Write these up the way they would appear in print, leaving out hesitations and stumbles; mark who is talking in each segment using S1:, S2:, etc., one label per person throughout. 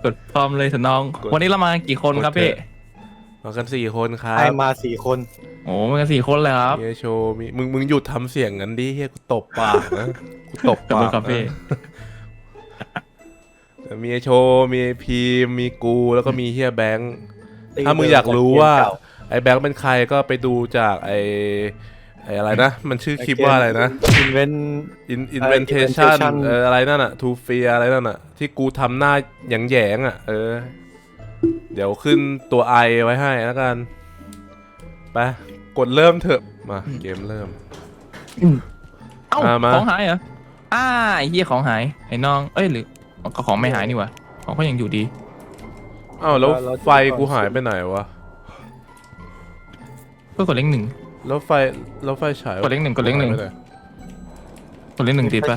S1: กดพร้อมเลยสนองวันนี้เรามากี่คนครับพี่
S2: มากัน4 คนครับ
S3: ไอมา4 คน
S1: โอ้มากัน4 คนเลยครับ
S2: เฮียโชว์มีมึงหยุดทำเสียงงั้นดิเฮียกูตบปากนะกูตบปาก
S1: ครับพี่
S2: มีไอโชว์มีพีมมีกูแล้วก็มีเฮียแบงค์ถ้ามึงอยากรู้ว่าไอแบงค์เป็นใครก็ไปดูจากไออะไรนะมันชื่อคลิปว่าอะไรนะ Inventation อะไรนั่นอะ To Fear อะไรนั่นอะที่กูทำหน้าแหยงๆอะเดี๋ยวขึ้นตัวไอไว้ให้แล้วกันไปกดเริ่มเถอะมาเกมเริ่ม
S1: เอ้าของหายเหรอไอ้เหี้ยของหายไอ้น้องเอ้ยหรือของไม่หายนี่วะของก็ยังอยู่ดี
S2: อ้าวแล้วไฟกูหายไปไหนวะ
S1: ก็กดเลข 1
S2: แล้วไฟฉาย
S1: กดเลข 1กดเลข 1กดเลข 1ติดปะ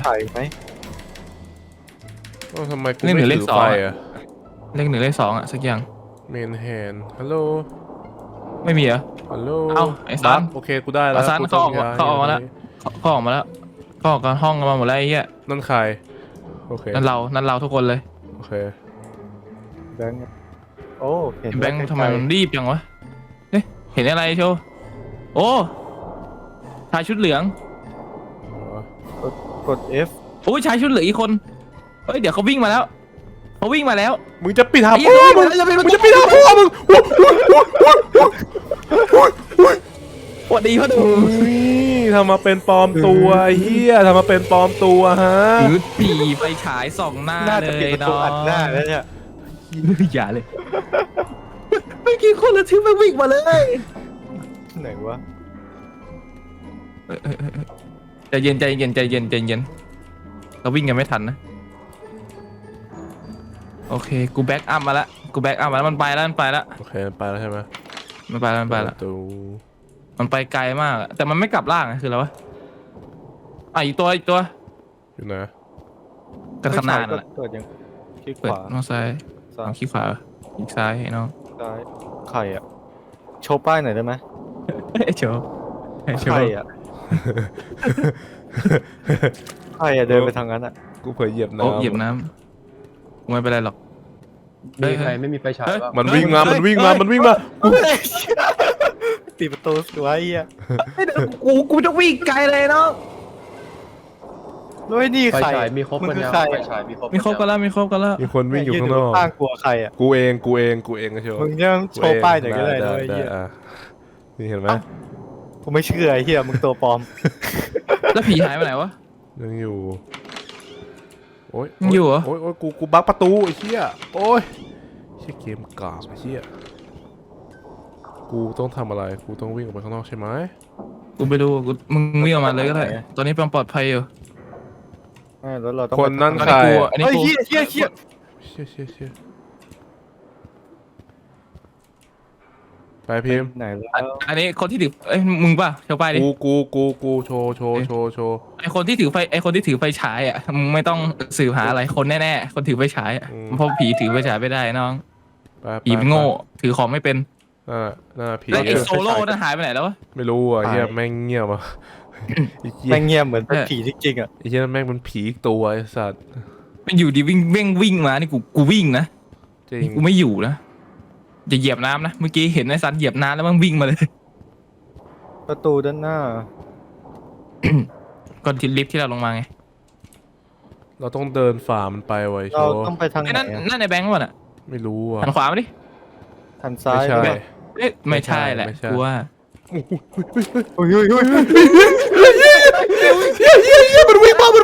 S2: ทำไมกูไม่ถือไฟอะ
S1: เลข 1เลข 2อะสักอย่าง
S2: เมนแฮนฮัลโหล
S1: ไม่มีเหรอ
S2: ฮัลโหล
S1: เอ้าไอ้ซัน
S2: โอเคกูได้แล้ว
S1: ซันเขาออกมาแล้วเขาออกมาแล้วเขาออกกันห้องกันมาหมดแล้วไอ้เหี้ย
S2: นั่นใครโอเค
S1: นั่นเราทุกคนเลย
S2: โอเค
S3: แบงค์โอ้เห็น
S1: แบงค์ทำไมมันรีบจังวะเห็นอะไรโชว์โอ้ชายชุดเหลือง
S3: กด F
S1: โอ้ยชายชุดเหลืองอีกคนเฮ้ยเดี๋ยวเขาวิ่งมาแล้ว
S2: มึงจะปิดหาพ่อมึงจะปิดหาพ่อมึง
S1: สวัสดีพ่อดู
S2: ทำมาเป็นปลอมตัวเฮียทำมาเป็นปลอมตัวฮะ
S1: ถือปีไปฉายส่องหน้าเลยเนาะ
S3: อัดหน้าแล้วเนี่ย
S1: อย่าเลยไม่กี่คนแล้วที่ไม่วิ่งมาเลย
S3: ไหนวะ
S1: ใจเย็นเราวิ่งกันไม่ทันนะโอเคกูแบ็กอัพมาแล้วมันไปแล้ว
S2: โอเคไปแล้วใช่ไหม
S1: มันไปแล้วมันไปไกลมากแต่มันไม่กลับล่างคืออะไรวะอีกตัว
S2: อยู่ไหน
S1: กันขนาดนั่นแหละ
S3: เปิดยังคลิกขวา
S1: น้องซ้ายคลิกขวาอีกซ้ายน้อง
S3: ซ้ายไข่อะโชว์ป้ายหน่อยได้ไหม
S1: โชว์
S3: ไข่อะไข่อะเดินไปทางนั้นอะ
S2: กูเผยเหยียบน้
S1: ำไม่เป็นไรหรอก
S4: มีใครไม่มีไฟฉายบ้าง
S2: มันวิ่งมา
S3: ตีประตูสวยอ่ะ
S1: กูจะวิ่งไกลเลยเนาะ
S3: แล้วไอ้นี่ใคร
S4: มีครบกันแล้วไฟฉาย
S1: มีครบกันแล้ว
S2: มีคนวิ่งอยู่ข้างนอก
S3: ข้างกลัวใครอ่ะ
S2: กูเองก็โชว์
S3: มึงยังโชว์ป้ายหน่อยก็ได้ด้วยเฮีย
S2: นี่เห็นไหม
S3: กูไม่เชื่อไอ้เฮียมึงตัวปลอม
S1: แล้วผีหายไปไหนวะ
S2: ยังอยู่โอ้ย
S1: อยู่เหรอ
S2: โอ้ยกูบักประตูไอ้เหี้ยโอ้ยเชี่ยเกมกากไอ้เหี้ยกูต้องทำอะไรกูต้องวิ่งออกไปข้างนอกใช่ไหม
S1: กูไปดูมึงวิ่งออกมาเลยก็ได้ตอนนี้ปลอดภัยอยู่
S3: แล้วเราต้อง
S2: คนนั่นใคร
S1: เฮ้ย
S3: เชี่ย
S2: ไปพิมพ์
S3: ไหนแล้ว
S1: อันนี้คนที่ถือมึงป่ะโชว์ป้ายดิ
S2: กูโชว์
S1: ไอคนที่ถือไฟฉายอ่ะมึงไม่ต้องสืบหาอะไรคนแน่ๆคนถือไฟฉายเพราะผีถือไฟฉายไม่ได้น้องผีมันโง่ถือของไม่เป็น
S2: ผี
S1: แล้วไอโซโล่นั่นหายไปไหนแล้ววะ
S2: ไม่รู้อ่ะเฮียแม่งเงียบอ่ะ
S3: แม่งเงียบเหมือนเป็นผีจริงๆอ่ะ
S2: ไอ้เฮียแม่งเป็นผีตัวไอ้สัตว์
S1: มันอยู่ดีวิ่งมานี่กูวิ่งนะกูไม่อยู่นะจะเหยียบน้ำนะเมื่อกี้เห็นไอ้ซันเหยียบน้ำแล้วมันวิ่งมาเลย
S3: ประตูด้านหน้า
S1: ก่อนที่ลิฟท์ที่เราลงมาไง
S2: เราต้องเดินฝ่ามันไปไว้โชว์
S3: เราต้องไปทางไหน
S1: นั่นในแบงค์วะน่ะ
S2: ไม่รู้อ่ะ
S1: หันขวามาดิ
S3: หันซ้าย
S1: ไม่ใช่แหละกูว่า
S2: มันวิ่งมา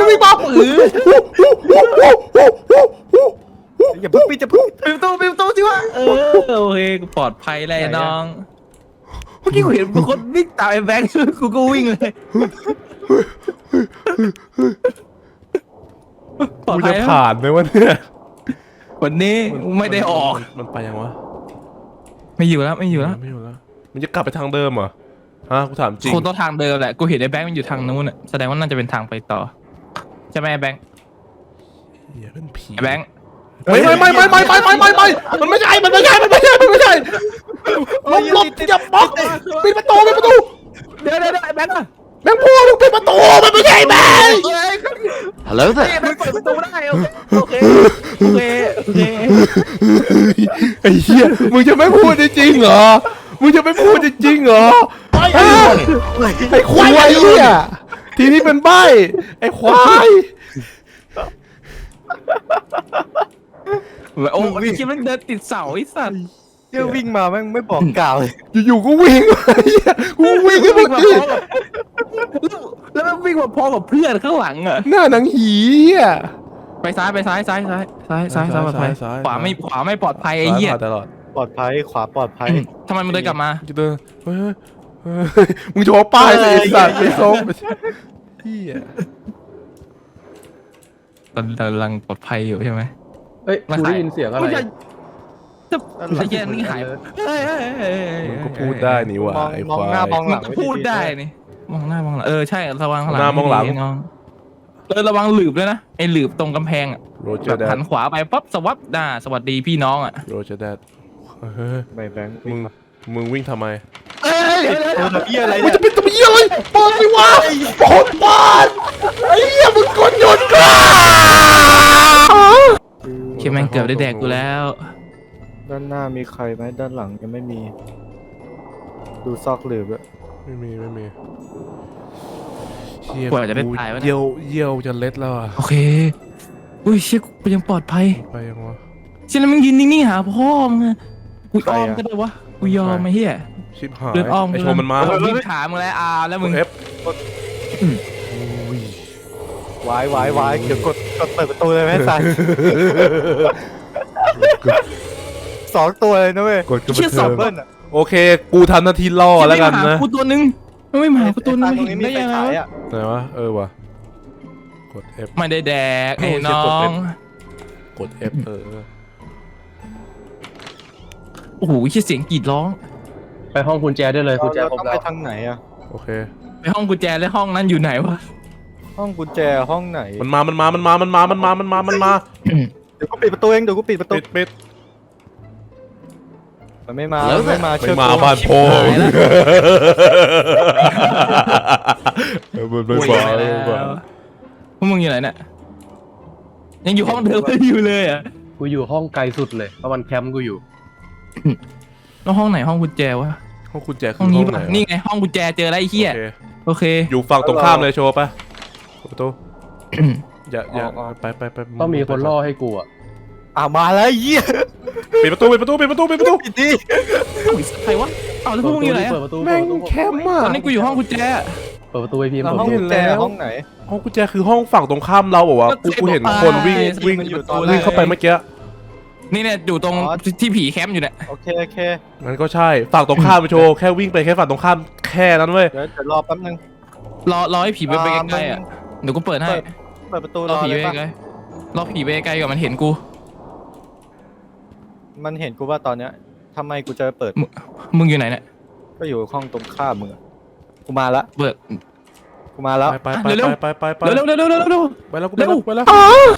S3: อย่าพึ่งปิด
S1: ปิดประตูสิวะโอเคกูปลอดภัยเลยน้องเมื่อกี้กูเห็นคนวิ่งตามไอ้แบงค์กูก็วิ่งเลย
S2: กูจะผ่านไหมวะเนี่ย
S1: วันนี้ไม่ได้ออก
S2: มันไปยังวะ
S1: ไม่อยู่แล้ว
S2: มันจะกลับไปทางเดิมเหรอฮะกูถามจริง
S1: คงต้องทางเดิมแหละกูเห็นไอ้แบงค์มันอยู่ทางนู้นอ่ะแสดงว่าน่าจะเป็นทางไปต่อใช่ไหมไอ้แบงค์
S2: อย่าเป็นผี
S1: ไอ้แบงค์
S2: ไม่มันไม่ใช่ลบอย่าบล็อกปิดประตู
S1: เดี๋ยวไอ้แบงค์อะ
S2: แมงพูมึงปิดประตูมันไม่ใช่แม่ง
S4: ฮัลโหลเถอะ
S1: มันเปิดประตูได้โอเคโอเคโอเค
S2: ไอ้เหี้ยมึงจะไม่พูดจริงๆเหรอมึงจะไม่พูดจริงๆเหรอไอ้ควายไอ้เหี้ยทีนี้เป็นใบไอ้ควาย
S1: โอ้ยคิดมันเดินติดเสาไอ้สัตว์
S3: เที่ยววิ่งมาแม่งไม่บอกกล่าวเลย
S2: อยู่ๆก็วิ่งไอ้เหี้ยกูวิ่งขึ้น
S1: วิ่ง
S2: มา
S1: มา
S2: ดิ
S1: พร้อมกับแล้วมันวิ่งมาพร้อมกับเพื่อนข้างหลังอ่ะ
S2: หน้าหนังหีอ่ะ
S1: ไปซ้ายปลอดภัย
S2: ซ้าย
S1: ขวาไม่ปลอดภัยไอ้เหี้ย
S2: ตลอด
S3: ปลอดภัยขวาปลอดภัย
S1: ทำไมมันเดินกลับมา
S2: จะเดินเฮ้ยมึงจะเอาป้ายใส่สัตว์ไปส่งเหี้ย
S1: ตอนกำลังปลอดภัยอยู่ใช่ไหม
S4: เฮ้ยกูได้ยินเสียงอะไร
S1: จะไอ้เหี้ยนี่หายเฮ้ย
S2: มึงก็พูดได้นี่หว่าไอ้
S3: มอง
S2: ควา
S3: หน้าย มองห
S1: มั
S3: ลั
S1: น
S3: ง
S1: ก็พูดได้นี่มองหน้ามองหลังใช่ระวังข้างหลัง
S2: หน้ามองหลัง
S1: น้องระวังหลืบด้วยนะไอ้หลืบตรงกำแพงอ่ะ
S2: โรเจ
S1: แบ
S2: อบ ร์แด
S1: หั
S2: ด
S1: นขวาไปปั๊บสวัสดีพี่น้องอ่ะ
S2: โรเจอร์แดดเฮ้ย
S3: ไม่แบงค์
S2: มึงวิ่งทำไม
S1: เอ้ย
S3: เหี้ยอะไร
S2: มึง
S3: เนี่ย
S2: จะเป็นตัวเหี้ยอะไรเปิดสิวะเปิดไอ้เหี้ยมึงกดหยุดก่อน
S1: เคียแม่งเกือบได้แดกกูแล้ว
S3: ด้านหน้ามีใครไหมด้านหลังยังไม่มี ดูซอกหลืบอะ
S2: ไม่มีเหี้ย
S1: กว่าจะได้ตายวะเนี่ย
S2: เยี่ยวจะเล็ดแล้วอ่ะ
S1: โอเคอุ้ยเชี่ยกูยังปลอดภัย
S2: ไปยังวะ
S1: เชี่ยแล้วมึงยืนนิ่งๆหาพ่อมึงอะกูอ้อมก็ได้วะกูยอมไอ้เหี้ย
S2: ชิบหาย
S1: เดินอ้อม
S2: ไอโชว์มันมา
S1: วิ่งขามึงแล้วแล้วมึง
S2: เอฟ
S3: วายวายเดี๋ยวกดเปิดประตูเลยไหมสันสองตัวเลยนะเว้ย
S2: กดกระ
S1: เชี่ย
S2: เทิ
S1: สอง
S2: ง
S3: เบิ้ลอะ
S2: โอเค กูทำหน้าที่ล่อแล้วกัน
S1: ไม่มา
S2: นะ
S1: หากูตัวนึงไม่มาหากูตัวนึง
S3: ตรง
S1: เห็
S3: นี้
S1: น
S3: มี
S1: ได้
S3: ไฟ
S1: ยังไง
S3: ฉายว
S1: ะ
S3: อะ
S2: ไหนวะวะกด F
S1: ไม่ได้แดกไอ้น้อง
S2: กด F
S1: โอ้โหเชี่ยเสียงกรีดร้อง
S4: ไปห้องกุญแจได้เลยกุญแจ
S3: เรา
S4: ครบ
S3: ต้อง
S4: แล้
S3: ไป
S4: ว
S3: ทางไหนอะ
S2: โอเค
S1: ไปห้องกุญแจแล้วห้องนั้นอยู่ไหนวะ
S3: ห้องกุญแจห้องไหน
S2: มันมา
S3: เดี๋ยวกูปิดประตูเองเดี๋ยวกูปิดประตู
S2: ปิด
S3: มันไม่มามันไม่มา
S2: ไม่
S3: เชื่อ
S2: มา
S3: กู
S2: บ้านพ่อมันไม่
S1: โอ้ย
S2: มา
S1: ไปแล้วพวกมึงอยู่ไหนเนี่ยยังอยู่ห้องเดิมอยู่เลยอ่ะ
S4: กูอยู่ห้องไกลสุดเลยเพราะมันแคมป์กูอยู่
S1: แล้วห้องไหนห้องกุญแจวะ
S2: ห้องกุญแจคื
S1: ห้
S2: อ
S1: อง
S2: ห้
S1: นี้
S2: องไหน
S1: ปะนี่ไงห้องกุญแจเจอแล้วไอ้เหี้ย
S2: โอเค
S1: โอเค
S2: อยู่ฝั่งตรงข้ามเลยโชว์ปะประตูอย่าไป
S4: ต้องมีคนล่อให้กูอ่ะ
S3: มาแล้วไอ้เหี้ย
S2: ปิดประตู
S3: ปิดดิ
S1: เอ้าใครวะเอาแล้วพวกมึงอยู่ไหน
S4: เปิ
S1: อะ
S4: ดประตู
S2: แม่ง
S4: เปิดประตู
S2: แคมป์อ่ะ
S1: ตอนนี้กูอยู่ห้องกุญแจอะ
S4: เปิดประตูไอพีม
S3: แล้ว
S4: เปิด
S3: ห้อง
S4: ประตู
S3: กุญแจห้องไหน
S2: ห้องกุญแจคือห้องฝั่งตรงข้ามเราบอกว่ากูเห็นคนวิ่ง
S3: มันอยู่ตอนแรก
S2: วิ่งเข้าไปเมื่อกี้
S1: นี่เนี่ยอยู่ตรงที่ผีแคมป์อยู่เนี่ย
S3: โอเค
S2: มันก็ใช่ฝั่งตรงข้ามไปโชว์แค่วิ่งไปแค่ฝั่งตรงข้ามแค่นั้นเว้ย
S3: เดี๋ยวรอแป๊บนึง
S1: รอให้ผีไปใกล้ๆอ่ะเดี๋ยวกูเปิดให้
S3: เปิดประตู
S1: ร
S3: ร
S1: อ
S3: อ
S1: ผี
S3: เลย
S1: ไป
S3: ปะ
S1: ใกล้ๆรอผีไปใกล้ๆก่อนมันเห็นกู
S3: มันเห็นกูว่าตอนเนี้ยทำไมกูจะเปิด
S1: มึงอยู่ไหนเนี่ย
S3: ก็อยู่ห้องตรงข้ามมึงอะกูมาละ
S1: เปิด
S3: กูมาแล้ว
S2: ไป
S1: เร็ว
S2: ไป
S1: เร็วเร็วเร็วเร็วเร็ว
S2: ไปแล้วกู
S1: เร็ว
S2: ไปแล้ว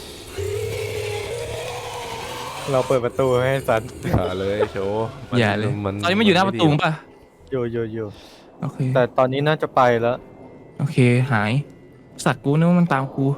S3: เราเปิดประตูให้สัน
S2: อย่าเลยโชว์
S1: อย่าเลยตอนนี้มันอยู่หน้าประตูป่ะ
S3: อยู่
S1: โอเค
S3: แต่ตอนนี้น่าจะไปแล้ว
S1: โอเคหายสัตว์กูนึกว่ามันตามกู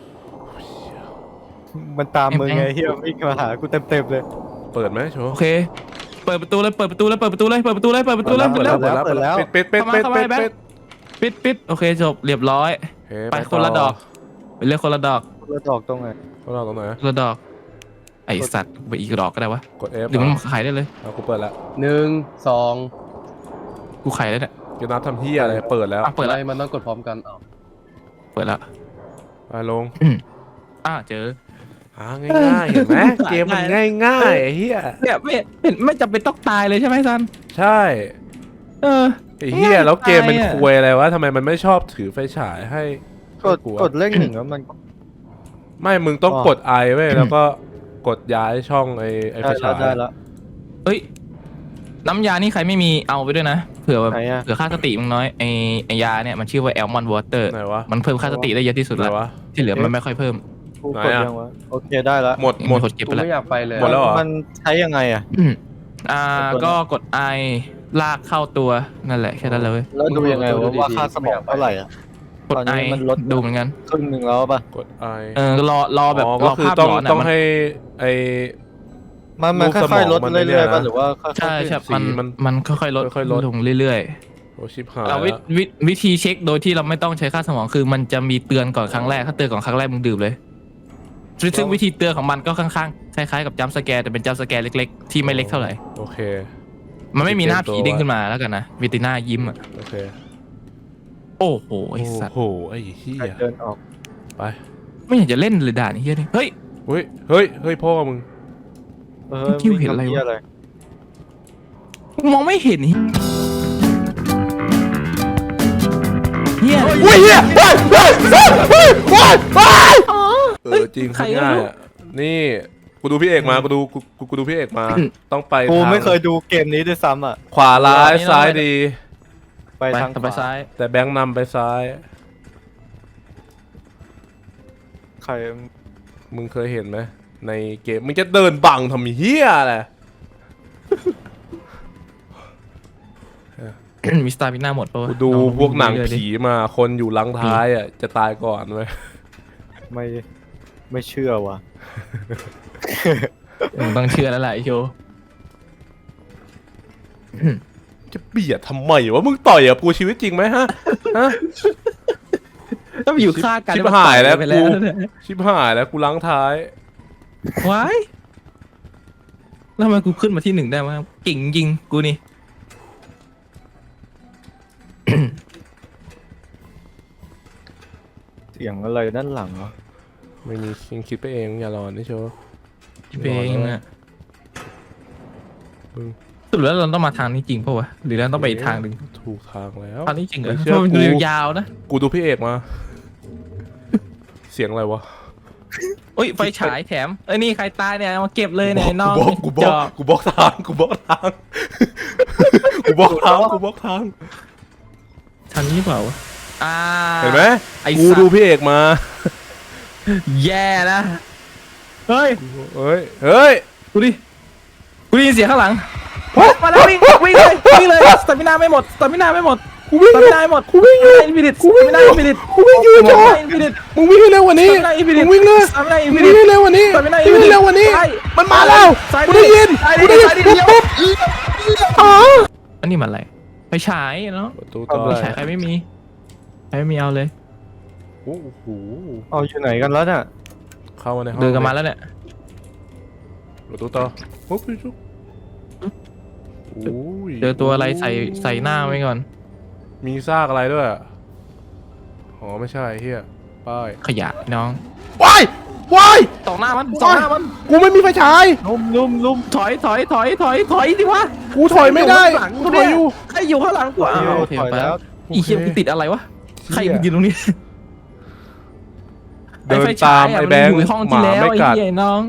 S3: มันตามมึงไงเฮียวิ่งมาหากูเต็มเลย
S2: เปิดไหมโชว์
S1: โอเค เปิดประตูเลยเปิดประตูเลยเปิดประตูเลยเปิดประตูเลยเปิดประตูเลย
S3: เปิดแล้ว
S1: ปิดโอเคจบเรียบร้อยไปคนละดอกไปเลือกคนละดอก
S3: แล้วดอกตรงไหน
S2: เราตรงไหน
S1: คนละดอกไอสัตว์ไปอีกดอกก็ได้วะ
S2: กด F
S1: หรือมันขายได้เลย
S2: กูเปิดแล้ว
S4: 1 2
S1: กูขายได้เนี่ย
S2: จะนับทำเฮียอะไรเปิดแล้ว
S1: เปิดแล้ว
S4: อะไรมันต้องกดพร้อมกันอ้าว
S1: เปิดแล้ว
S2: ไปลง
S1: เจอ
S2: ง่ายๆเห็นไหมเกมมันง่ายๆเฮีย
S1: เนี่ยไม่จำเป็นต้องตายเลยใช่ไหมซัน
S2: ใช่
S1: เออ
S2: ไอ้เฮียแล้วเกมมันควยอะไรวะทำไมมันไม่ชอบถือไฟฉายให้
S3: กดเลขหนึ่งแล้วมัน
S2: ไม่มึงต้องกด I เว้ยแล้วก็กดย้ายช่องไอ้ไฟฉาย
S3: ได้แล้ว
S1: เอ้ยน้ำยานี่ใครไม่มีเอาไปด้วยนะเผื่อ
S3: ไหนอะ
S1: เผื่อค่าสติมึงน้อยไอยาเนี่ยมันชื่อว่าแอลมอนวอเตอร์
S2: ไหนวะ
S1: มันเพิ่มค่าสติได้เยอะที่สุด
S2: ไหน
S1: แล้ว
S2: วะ
S1: ที่เหลือมันไม่ค่อยเพิ่ม
S3: กูกดยังวะโอเคได้แล้ว
S2: หมด
S1: กดเก็บ
S4: กู
S1: ไปแล้ว
S4: ไม่อยากไปเลย
S2: หมดแล้วเหรอ
S3: มันใช้ยังไงอ่ะ
S1: ก็กด I ลากเข้าตัวนั่นแหละแค่นั้นเลย
S3: แล้วดูยังไงว่าค่าสมองเท่าไหร่อ่ะ
S1: กด
S3: ตอน
S1: ไอ
S3: นี้มันลด
S1: ดูเหมือนกัน
S3: ครึ่งหนึ่งแล้วป่ะ
S2: กดไอ
S1: รอแบบ
S2: อ๋อ
S1: ร
S2: ก็
S1: อ
S2: คือ
S1: ภาพ
S2: ต้อง
S1: ร้อนอ่ะ
S2: ต้อง
S1: มัน
S2: ให้ไอ
S3: มัน
S2: รูป
S3: ค่
S2: สม
S3: อ
S2: อย ง
S3: ๆลด
S2: มัน
S3: เรื่
S2: เนี่
S3: อย
S2: ย
S3: ๆป่ะ
S2: นะ
S3: หรือว่าค่อยๆ
S1: ใช่
S3: ขึ้น
S1: ใช่
S2: สี
S1: มันค่อยๆลด
S2: ค่อยๆลด
S1: ลงเรื่อย
S2: โอชิบหา
S1: ๆ
S2: ย
S1: เรา
S2: แล้ว
S1: วิธีเช็คโดยที่เราไม่ต้องใช้ค่าสมองคือมันจะมีเตือนก่อนครั้งแรกถ้าเตือนก่อนครั้งแรกมึงดื่มเลยซึ่งวิธีเตือนของมันก็ค่อนข้างคล้ายๆกับจัมป์สแกร์แต่เป็นจัมป์สแกร์เล็กๆที่ไม่เล็กเท่าไหร่
S2: โอเค
S1: มันไม่มีหน้าผีเด้งขึ้นมาแล้วกันนะมีแต่หน้ายิ้มอ่ะ
S2: โอเค
S1: โอ้โหไอสัตว์
S2: โอ้โหไอ้เหี้ย
S3: เดินออก
S2: ไป
S1: ไม่อยากจะเล่นเลยด่านนี้เฮียนี่เฮ้ย
S2: เฮ้ยเฮ้ยเฮ้ยพ่อมึง
S1: คิวเห็นอะไรวะ
S3: วิ่งทำหี้
S1: มองไม่เห็นเฮีย
S2: อุ้ยเหี้ยเฮ้ยเฮ้ยเฮ้ยเฮ้ยเฮ้ยเฮ้ยจริง
S1: ใคร
S2: พูด
S1: ก็
S2: ง่าย
S1: รู้
S2: อ่ะนี่กูดูพี่เอกมากูดูพี่เอกมา ต้องไป
S3: กู
S2: ทาง
S3: ไม่เคยดูเกมนี้ด้วยซ้ำอ่ะ
S2: ขวาร้ายซ้ายดี
S3: ไป
S1: ไป
S3: ทาง
S1: ไปซ้าย
S2: แต่แบงค์นำไปซ้าย
S3: ใคร
S2: มึงเคยเห็นไหมในเกมมึงจะเดินบังทำเหี้ยอะไร
S1: มีสตาร์มิน่าหมดปะวะ
S2: กูดู
S1: ลอ
S2: พวกหนัง
S1: เรื่อยๆดิ
S2: ผีมาคนอยู่หลังท้ายอ่ะจะตายก่อนเว้ย
S3: ไม่เชื่อว่ะ
S1: มึงต้องเชื่อแล้วแหละไอโชว์
S2: จะเบียดทำไมวะมึงต่อยกับกูชีวิตจริงไหมฮะฮะ
S1: ถ้าไปอยู่ฆ่ากัน
S2: ชิบหายแล้ว
S1: ไปแล้ว
S2: กู
S1: เนี่ย
S2: ชิบหายแล้วกูล้างท้าย
S1: ว้ายแล้วทำไมกูขึ้นมาที่หนึ่งได้วะเก่งจริงกูนี่
S3: เสียงอะไรด้านหลังเหรอ
S2: ไม่มียังคิดไปเองอย่ารอนนี่โชว์
S1: เพลงอะ
S2: มึง
S1: สรุดแล้วเราต้องมาทางนี้จริงปะวะหรือเราต้องไปอีกทางหนึ่ง
S2: ถูกทางแล้ว
S1: ทางนี้จริงเหรอ
S2: ไม่
S1: เพ
S2: เชื่อ
S1: ราะมัน
S2: กู
S1: ดูยาวนะ
S2: กูดูพี่เอกมา เสียงอะไรวะ
S1: โอ้ยไฟฉายแถมเอ้ยนี่ใครตายเนี่ยเอามาเก็บเลยเนี่ยไอ้น้อง
S2: กูบ
S1: จ
S2: อก
S1: อบ
S2: กูบอกทางกูบอกทางกูบอกทางกูบอกทาง
S1: ทางนี้เปล่าวะ
S2: เห็นไหม
S1: ไอ้
S2: กู
S1: สัตว์
S2: ดูพี่เอกมา
S1: แย่นะเฮ้ย
S2: เฮ้ยเฮ้ย
S1: กูดิกูได้ยินเสียงข้างหลังมาแล้ววิ่งเลยสตามินาไม่หมดสตามินาไม่หมด
S2: กูวิ่ง
S1: ส
S2: อ
S1: ตา
S2: ยู่
S1: มินาไม่หมด
S2: กูวิ่งอยู่
S1: อินฟินิต
S2: กูวิ่งอยู่
S1: อินฟินิต
S2: กูวิ่งอยู่จอ
S1: อินฟินิต
S2: มึงวิ่งให้เร็วกว่านี้
S1: สตามินาอินฟินิต
S2: มึงวิ่งเลย
S1: สตามินาอิน
S2: มึ
S1: ฟิ
S2: ง
S1: นิ
S2: วิ่ง
S1: ต
S2: ให้เร็วกว่านี้
S1: สตามินาอิน
S2: วิ่ง
S1: ฟินิต
S2: ให้เร็วกว่านี้
S1: ซ้าย
S2: มันมาแล้ว
S1: ซ้าย
S2: กูได้ยิน
S1: ซ้าย
S2: กูได้ยิน
S1: ซ้าย
S2: ปุ๊บ
S1: เดียว
S2: ปุ๊บอ๋อ
S1: อันนี้มันอะไรไฟฉายเนาะ
S2: ประตูต่อ
S1: ไฟฉายใครไม่มีเอาเลย
S2: โอ้โห
S3: เอาอยู่ไหนกันแล้วเนี่ย
S2: เข้ามาในห้อง
S1: เดินกันมาแล้วเนี่ย
S2: ประตูต่อปุ๊บปุ๊บโอ้ย
S1: เจอตัวอะไรใส่หน้าไว้ก่อน
S2: มีซากอะไรด้วยอ๋อไม่ใช่เฮียป้าย
S1: ขยะน้อง
S2: ว้ายว้าย
S1: ต่อหน้ามันต่อหน้ามัน
S2: กูไม่มีไฟฉาย
S3: ลุ่ม
S1: ถอยสิวะ
S2: กูถอยไม่ได้
S1: ใคร
S2: กู
S1: อยู่
S2: ถอยอยู่
S1: ใครอยู่ข้างหลังกูอ้าวโอเค
S3: ถอย
S1: ไป
S3: แล้
S1: แล้ว วอีเหี้ยกูติดอะไรวะใครยืนตรงนี้
S2: เดินตามไอ้แบงค์
S1: อยู่ในห้อง
S2: ห
S1: ที่
S2: มา
S1: แล้ว
S2: ไม่
S1: ไอ้
S2: กัด
S1: เหี้ยน้อง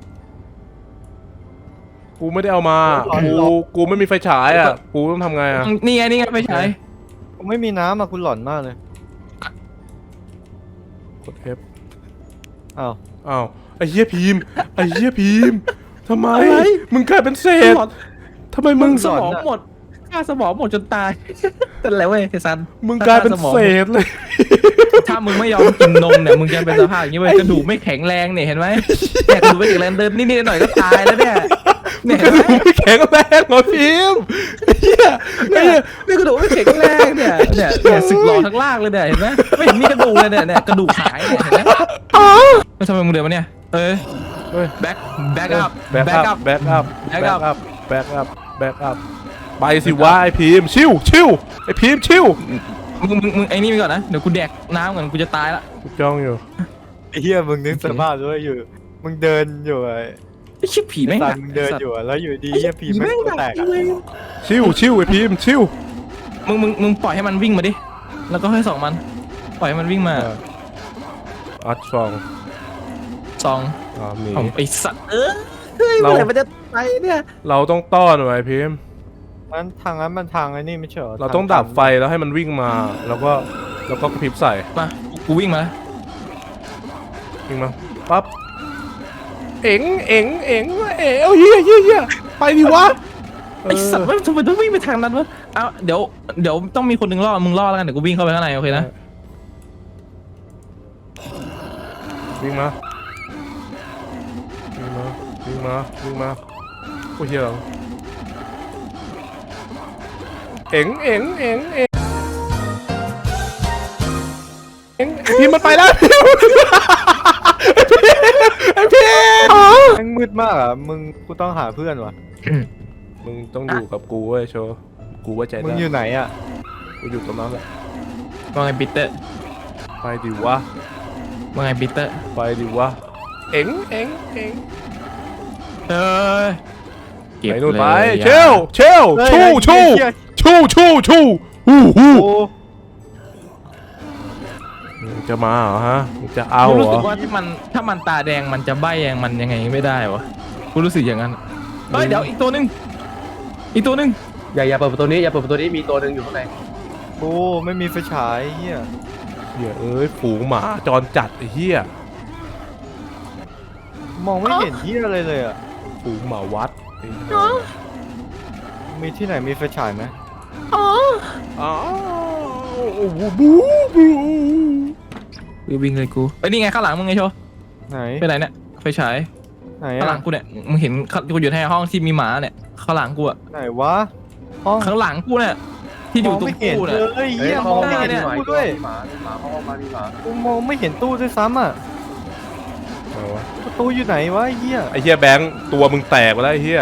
S2: กูไม่ได้เอามากูไม่มีไฟฉายอ่ะกูต้องทำไงอ่ะ
S1: นี่ไงไปฉาย
S3: กูไม่มีน้ำอ่ะกูหลอนมากเลย
S2: กด F
S3: อ้าว
S2: อ้าวไอ้เหี้ยพิมพ์ไอ้เหี้ยพิมพ์ทำไมมึงกลายเป็นเศษทำไมมึง
S1: สมองหมดค่าสมองหมดจนตายแต่แล้วเว้ยเทซัน
S2: มึงกลายเป็นเศษเลย
S1: ถ้ามึงไม่ยอมกินนมเนี่ยมึงจะเป็นสภาพอย่างนี้เว้ยกระดูกไม่แข็งแรงเนี่ยเห็นไหมเนี่ยกระดูกไม่แข็งแรงเดินนิดๆหน่อยๆก็ตายแล้วเนี่ยเนี่ย
S2: ก
S1: เห็
S2: ระ
S1: นไหม
S2: ดูกไม่แข็งแรงเหรอพิมพ์ไอ้เหี้ยไอ้เหี้ย
S1: เนี่ยกระดูกไม่แข็งแรงเนี่ยสึกหล่อทั้งล่างเลยเนี่ยเห็นไหมไม่เห็นมีกระดูกเลยเนี่ยกระดูกหายเนี่ยเห็นไหมไม่ทำไมมึงเดินมาเนี่ย
S2: เฮ้ย
S1: แบ็คอัพ
S2: แบ็กอัพแบ็กอัพ
S1: Back up
S2: แบ็กอัพแบ็กอัพไปสิวะไอ้พิมพ์ชิวไอ้พิมพ์ชิว
S1: มึงไอ้นี่ไปก่อนนะเดี๋ยวกูแดกน้ำก่อนกูจะตายละ
S2: กูจ้องอยู่
S3: ไอ้เหี้ยมึงนึกสภาพด้วยอยู่ มึงเดินอยู่ไอ้
S1: ไอ้ชิบผีแม่ง
S3: ตา
S1: หนัก
S3: มึงเดินอยู่อะแล้วอยู่ดีเหี้ยผีแม่งตัวแตกอะ
S2: ชิวไอ้พิมพ์ชิว
S1: มึงปล่อยให้มันวิ่งมาดิแล้วก็ให้ส่องมันปล่อยให้มันวิ่งมา
S2: อัดฟอง
S1: ส่อง
S2: มี
S1: ไอ้สัตว์เฮ้ย
S2: เรา
S1: เมื่อไหร่มันจะไปเนี่ย
S2: เราต้องต้อนไว้พิมพ์
S3: นั้นทางนั้นมันทางไอ้นี่ไม่ใช่เหรอ
S2: เราต้องดับไฟแล้วให้มันวิ่งมา แล้วก็กระพริบใส่
S1: มากูวิ่งมา
S2: วิ่งมาปั๊บเอ๋งเฮียไปดิวะ
S1: ไอ้สัตว์ว่าทำไมต้องวิ่งไปทางนั้นวะเอาเดี๋ยวต้องมีคนหนึ่งล่อมึงล่อแล้วกันเดี๋ยวกูวิ่งเข้าไปข้างในโอเคนะ
S2: วิ่งมาวิ่งมาวิ่งมาวิ่งมาโอ้ยเหี้ยเอ็งเอ็งเอ็งเอ็งเอ็งพี่มันไปแล้วไอพี่
S3: แม่งมืดมากอ่ะมึงกูต้องหาเพื่อนวะ
S2: มึงต้องอยู่กับกูเว้ยโชว์กูไว้ใจ
S3: มึง
S2: ได้
S3: อยู่ไหนอ่ะ
S2: กูอยู่ตรงนั้นแหละ
S1: ว่าไงปีเตอร์
S2: ไปดิวะ
S1: ว่าไงปีเตอร์
S2: ไปดิวะเอ็งเอ็งเอ็ง
S1: เออเก็บ
S2: ไปนู่น
S1: เลย
S2: ไป
S1: อย่า
S2: เชลเชล
S3: เฮ้ย
S2: ชู่ชู่
S3: เหี้ย
S2: ชู่ชู่ชู่ฮู้ฮู้
S3: โอ้
S2: มึงจะมาเหรอฮะมึงจะเอา
S1: กู
S2: เหร
S1: รู้สึ
S2: อก
S1: ว่าถ้ามันตาแดงมันจะใบ้ยังมันยังไงไม่ได้วะกูรู้สึกอย่างนั้นเฮ้ยเดี๋ยวอีกตัวหนึงอีกตัวหนึง
S4: อย่าเปิดประตูนี้อย่าเปิดประตูนี้มีตัวหนึ่งอยู่ข้างใน
S3: โอ้ไม่มีไฟฉายเฮีย
S2: เหี้ยเอ้ยฝูงหมาจรจัดไอ้เหี้ย
S3: มองไม่เห็นเฮียอะไรเลยอ่ะ
S2: ฝูงหมาวัดไอ้เหี้ย
S3: มีที่ไหนมีไฟฉายไหม
S2: อ้าวบูบูบู
S1: วิ่งเลยกูไอ้ยนี่ไงข้างหลังมึงไงโชว์
S3: ไหน
S1: ไปไหนเนี่ยไฟฉาย
S3: ไหน
S1: ข้างหลั
S3: อ่ะ
S1: งกูเนี่ยมึงเห็นกูอยู่ในห้องที่มีหมาเนี่ยข้างหลังกูอะ
S3: ไหนวะห้อง
S1: ข้างหลังกูเนี่ยที่อยู่ตรง
S3: ไม่เห็น
S1: ตู้
S3: เล
S1: เนี่ย
S3: ย
S4: เฮ้ย
S3: เฮีย
S4: เขา
S3: มอง
S4: ห้อง
S3: ไม่
S4: มา
S3: เห็น
S4: มีหมา
S3: ตู้ด้วย
S4: มีหมาเขาห้องมามีหมา
S3: กูมองไม่เห็นตู้ด้วยซ้ำอ่ะ
S2: อะไรวะ
S3: ประตูอยู่ไหนวะเฮีย
S2: ไอ้เหี้ยแบงค์ตัวมึงแตกไปแล้วไอ้เหี้ย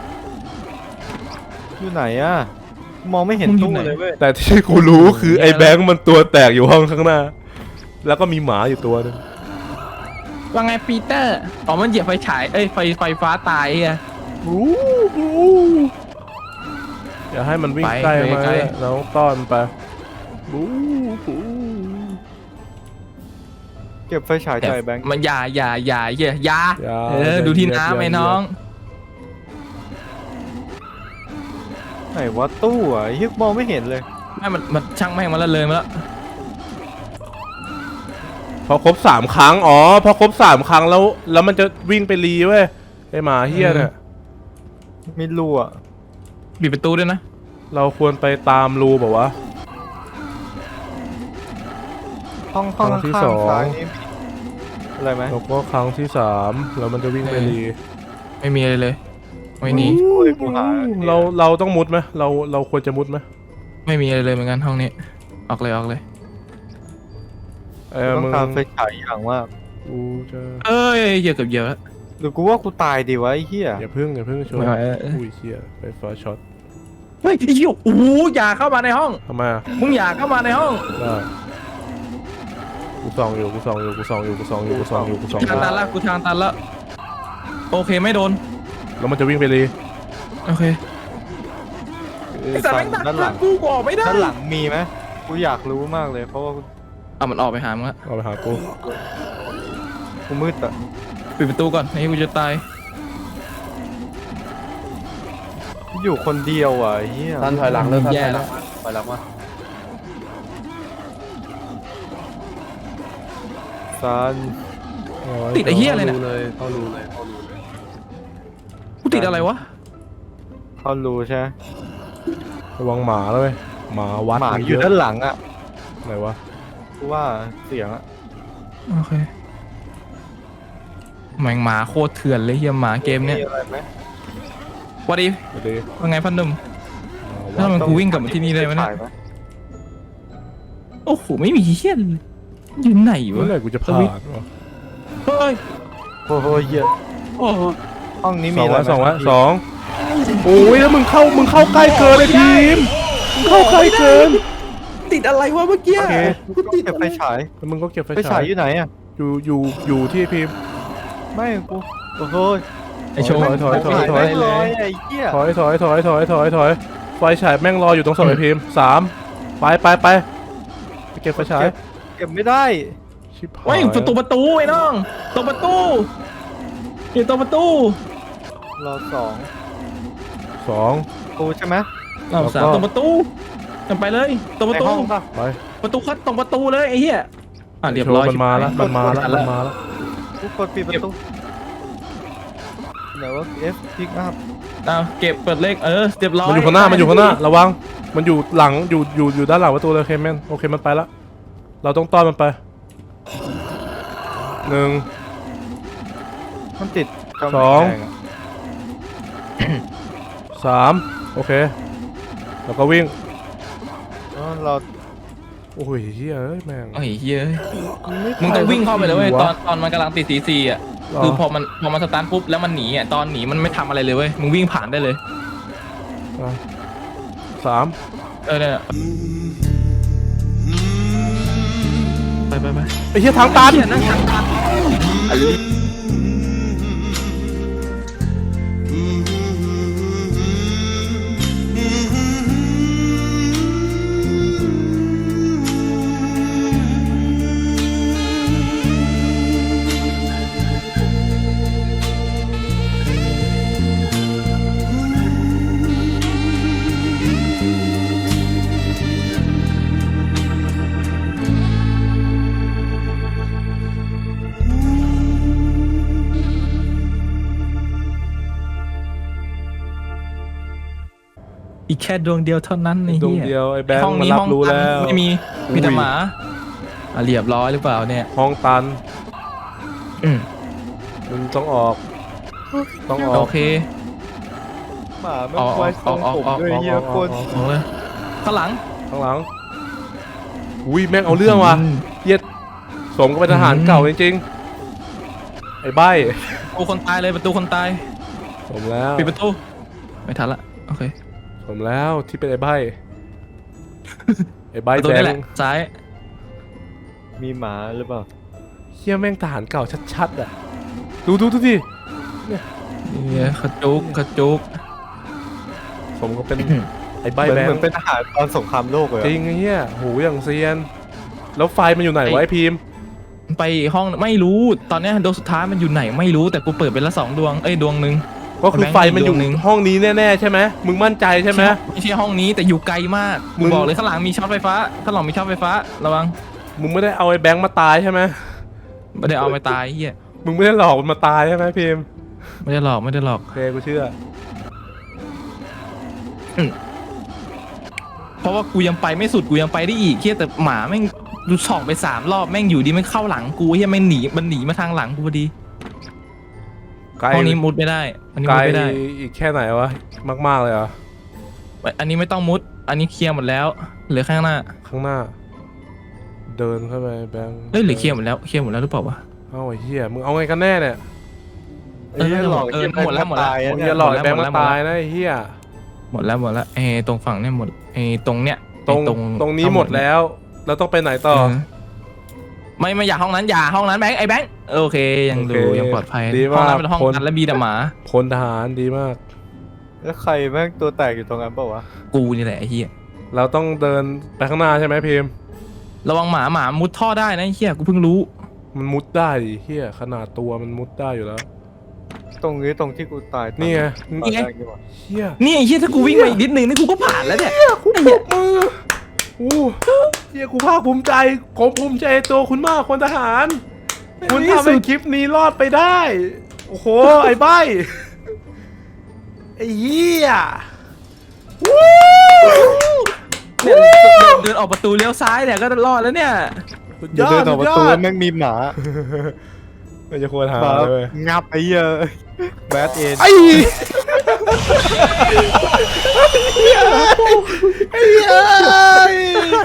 S3: อยู่ไหนอ่ะมองไม่เห็นตู้เลยเว้ย
S2: แต่ที่กูรู้คือไอ้แบงค์มันตัวแตกอยู่ห้องข้างหน้า แล้วก็มีหมาอยู่ตัวหนึง
S1: ว่าไงปีเตอร์อ๋อมันเหยียบไฟฉายเอ้ยไฟฟ้าตายเฮีย
S2: บูบูอย่าให้มันวิ่ง
S1: ไป
S2: ใกล้
S1: ไป
S2: มา
S1: ไกล
S2: เราต้องต้อนมันไปบูบู
S3: เก็บไฟฉายจ่ายแบงค์
S1: มันอย่าเหี้ยอย่า
S2: อย่า
S1: ดูที่
S2: อย่า
S1: น้ำไอ้
S2: อย่า
S1: น้อง
S3: ไหนวะตู้อ่ะเฮียมองไม่เห็นเลย
S1: ไม่มันช่างแม่งมาแล้วเลยมาแล้ว
S2: พอครบ3 ครั้งอ๋อพอครบ3 ครั้งแล้วมันจะวิ่งไปรีเว้ยไอ้หมาเฮี้ยเนี่ย
S3: มีรูอ่ะ
S1: ปิดประตูด้วยนะ
S2: เราควรไปตามรูแบบว่าวะ
S3: ห้อง
S2: ครั้งที่
S3: ข้าง
S2: สอง
S3: ๆซ้ายนี่มีอะไรไหม
S2: แล้วก็ครั้งที่3แล้วมันจะวิ่งไปรี
S1: ไม่มีอะไรเลยไม่หนี
S3: โอ้ยกูหา
S2: เราต้องมุดไหมเราควรจะมุดไหม
S1: ไม่มีอะไรเลยเหมือนกันห้องนี้ออกเลย
S3: ต้อง
S2: มึง
S3: การไฟฉายอย่างมาก
S2: กูจะ
S1: เอ้ยเหยียบเกือบเหยียบแล้ว
S3: หรือกูว่ากูตายดีวะไอ้เหี้ย
S2: อย่าพึ่งชน
S1: ไม่ไหว
S2: อุ้ยเชี่ยไฟฟ้าช็อต
S1: เฮ้ยไอ้เหี้ยโอ้โหอย่าเข้ามาในห้อง
S2: ทำไมอ่ะ
S1: มึงอย่าเข้ามาในห้อง
S2: ได้กูส่องอยู่
S1: ทางตันละกูทางตันละโอเคไม่โดน
S2: แล้วมันจะวิ่งไปรี
S1: โอเคไอ้สัตว์แม่งดัก
S3: ด้านหลั
S1: ทาง งกูออกไม่ได้
S3: ด้านหลังมีไหมกูอยากรู้มากเลยเพราะว่า
S1: เอามันออกไปหามึงละ
S2: เอาไปหากู
S3: กูมืดอะ
S1: ปิดประตูก่อนไอ้กูจะตาย
S3: กูอยู่คนเดียวอ่ะไอ้เหี้ย
S4: ท่านถอยหลังเลยท่าน
S1: แย่
S4: ถอยห
S1: แล้
S4: ลั
S1: ว
S4: งมาถอยหลังมา
S3: ซัน
S1: ติดไอ้เหี้ยอะไรเนี่ย
S4: เข้ารูเลย
S1: กูติดอะไรวะ
S3: เขารู้ใช่ไหม
S2: ระวังหมาแล้วเว้ยหมาวัด
S3: หมา
S2: มัน
S3: อยู่
S2: เะ
S3: ด้านหลังอ่ะ
S2: ไหนวะ
S3: กูว่าเสียงอ่ะ
S1: โอเคแม่งหมาโคตรเถื่อนเลยเฮียหมาเกมเนี้ย
S3: มีอะไรไหม
S1: วัดดี
S2: ไปดิ
S1: ว่าไงพันหนุ่ม
S2: หมา
S1: ถ้า
S2: วัด
S1: มันกูวิ่งกลับมาที่นี่ได้ไหมเนี่ย
S3: ถ่าห
S1: โอ้โหไม่มีเฮียเลยอยู่ไหน
S2: เมื่อ
S1: วะ
S2: ไหร่กูจะผ่านวะ
S1: เฮ้ย
S3: โอ้โหเหี้ย
S1: โอ้โห
S3: ห้องนี้
S2: ส
S3: มี
S2: อง
S3: อะไร
S2: ไว้
S3: ไหม
S2: สองไว้สองโอ้ยแล้วมึงเข้าใกล้เกินเลยทีมมึงเข้าใกล้เกิน
S1: ติดอะไรวะเมื่อกี้
S3: โอเคกูติดไฟฉาย
S2: แล้วมึงก็เก็บไฟ
S3: ไฟฉายอยู่ไหนอ่ะ
S2: อยู่ที่พิมพ์
S3: ไม่กูโอ้โห
S1: ไอโชว์
S2: ถอย
S3: ไฟฉายไม่ลอยไอ้เหี้ย
S2: ถอยไฟฉายแม่งรออยู่ตรงเสาไฟพิมพ์3ไปไปเก็บไฟฉาย
S3: เก็บไม่ได้
S2: ชิบหาย
S1: เฮ้ยประตูไอ้น้องตรงประตูอยู่ตรงประตู
S3: รอ2
S2: 2
S3: กูใช่ไหม
S1: เราสามตรงประตูกันไปเลยตรงประ
S3: ใน
S1: ตู
S3: ห้องป่ะ
S2: ไป
S1: ประตูคัดตรงประตูเลยไอ้เหี้ยเรียบร้อย
S2: มันมาแล้วมันมาแล้ว
S3: กูกดปิดประตูไหนว่า F pick up
S1: เอาเก็บเปิดเลขเรียบร้อย
S2: มันอยู่ข้างหน้าระวังมันอยู่หลังอยู่ด้านหลังประตูเลยโอเคแมนโอเคมันไปละเราต้องต้อนมันไป 1
S3: มันติดกำแพ
S2: สอง
S3: แดะ
S2: 3 โอเค แล้วก็วิ่ง
S3: อ๋อเรา
S2: โอ้ยเฮียเอ้ยแม่ง
S1: โอ้ยเฮ้ย
S3: ไม่
S1: มึงต้องวิ่งเข้าไปเลยเว้ย
S2: หัว
S1: ตอนมันกำลังติดสีซีอ่ะ
S2: หรอ
S1: คือพอมันสตาร์ทปุ๊บแล้วมันหนีอ่ะตอนหนีมันไม่ทำอะไรเลยเว้ยมึงวิ่งผ่านได้เลย
S2: 3
S1: เนี่ยไป
S2: ไอ้เฮียทางตัน
S1: เหี้ยนั่งทางตัน อีกแค่ดวงเดียวเท่านั้นไอ้
S2: ดวง
S1: เหี้ย
S2: เดียวไอ้แบง
S1: ห้อง
S2: ค์มัน
S1: นี้
S2: รั
S1: ห้
S2: บ
S1: อง
S2: รู้
S1: ตัน
S2: แล้ว
S1: ไม่มีแต่หมาเรียบร้อยหรือเปล่าเนี่ย
S2: ห้องตัน
S1: อืม
S2: มึงต้องออก ต้องออ
S1: โอก เค
S3: หมาไม่ไว้ทรงผมด้วยเฮียโคตร
S1: ออกเลยข้างหลัง
S2: ข้างหลัง อุ้ยแม่งเอาเรื่องว่ะ
S1: อืม
S2: เหี้ย็ดสมกับเป็นทหารเก่าจริงๆ ไอ้ใบ้
S1: ประตูคนตายเลยประตูคนตาย
S2: สมแล้ว
S1: ปิดประตูไม่ทันละโอเค
S2: สมแล้วที่เป็นไอ้ใบ้ ไอ้ใบ้
S1: ประตู
S2: แบ
S1: นี่
S2: ง
S1: แหละ
S2: ค์
S1: ซ้าย
S3: มีหมาหรือเปล่า
S2: เฮียแม่งทหารเก่าชัดๆอ่ะ ดูดิ
S1: เนี่ยขจุก
S2: สมกับเป็น ไอ้ใบ้
S3: เหมือน
S2: แบง
S3: เหมือน
S2: ค์
S3: เป็นทหารตอนสงครามโลกเลย
S2: จริงไอ้เฮียหูอย่างเซียน แล้วไฟมันอยู่ไหนวะไอ้พิมพ์
S1: ไปห้องไม่รู้ตอนเนี้ยดวงสุดท้ายมันอยู่ไหนไม่รู้แต่กูเปิดไปละ2 ดวงดวงหนึ่ง
S2: ก็คือไฟมันอยู่
S1: ดวงหนึ่ง
S2: ห้องนี้แน่ๆใช่ไหมมึงมั่นใจใช่ไหม
S1: ไม่ใช่ห้องนี้แต่อยู่ไกลมาก
S2: มึ
S1: กู
S2: ง
S1: บอกเลยข้างหลังมีช็อตไฟฟ้าข้างหลังมีช็อตไฟฟ้าระวัง
S2: มึงไม่ได้เอาไอ้แบงค์มาตายใช่ไหม
S1: ไม่ได้เอาไปตายเฮีย
S2: มึงไม่ได้หลอกมันมาตายใช่ไหมพิมพ์
S1: ไม่ได้หลอก
S2: โอเคกูเชื่อ
S1: เพราะว่ากูยังไปไม่สุดกูยังไปได้อีกเฮียแต่หมาแม่งดูส่องไป3 รอบแม่งอยู่ดีไม่เข้าหลังกูเฮียแม่งหนีมาทางหลังกูพอดี
S2: ไกล
S1: ห้องนี้มุดไม่ได้อันนี้
S2: ไกล
S1: มุดไม่ได้
S2: อีกแค่ไหนวะ มากๆเลยเหรอ
S1: อันนี้ไม่ต้องมุด อันนี้เคลียร์หมดแล้วเหลือข้างหน้า
S2: ข้างหน้า เดินเข้าไปแบงค์
S1: เอ้ยหรือเคลียร์หมดแล้วหรือเปล่าวะ
S2: เอ้าไอ้เหี้ยมึงเอาไงกันแน่เนี่ย
S3: ไอ้เหี้ยหลอก
S1: เออหมดแล้ว
S3: ตาย
S2: มึง
S3: เนี่
S2: อย่าย หลอกไอ้แบงค์มาตายนะไอ้เหี้ย
S1: หมดแล้วตรงฝั่งเนี่ยหมดตรงเนี้ย
S2: ตรงนี้หมดแล้วเราต้องไปไหนต่อ
S1: ไม่อยากห้องนั้นแบงค์ไอ้แบงค์โอเคยัง
S2: โอเค
S1: ดูยังปลอดภัย
S2: ดี
S1: ห้อง
S2: มาก
S1: นั้นเป็นห้อง
S2: คน
S1: กันและมีแต่หมา
S2: พลทหารดีมาก
S3: แล้วใครแม่งตัวแตกอยู่ตรงนั้นเปล่าวะ
S1: กูนี่แหละไอ้เหี้ย
S2: เราต้องเดินไปข้างหน้าใช่ไหมพิมพ์
S1: ระวังหมามุดท่อได้นะไอ้เหี้ยกูเพิ่งรู้
S2: มันมุดได้ดิเหี้ยขนาดตัวมันมุดได้อยู่แล้ว
S3: ตรงนี้ตรงที่กูตายตอ
S2: นี่ไง
S3: ตอนแรกนี่หว่า
S2: เหี้ย
S1: นี่ไอ้เหี้ยถ้ากูวิ่งมาอีกนิดนึงนี่กูก็ผ่านแล้วเนี่ย
S2: กูปรบมืออู้เหี้ยกูภาคภูมิใจผมภูมิใจในตัวคุณมากคนทหาร คุณทำให้คลิปนี้รอดไปได้ โอ้โห ไอ้ใบไอ้เหี้ย
S1: เนี่ยเดินออกประตูเลี้ยวซ้ายเนี่ยก็รอดแล้วเนี่ย
S2: สุด
S3: อย่าเดินออกประตูแล้วแม่งมีหมา
S2: ไม่จะควรหา
S3: หมา
S2: เลย
S3: งับไอ้เหี้ยแบทเอ็น
S2: ไอ้ไอ้เหี้ย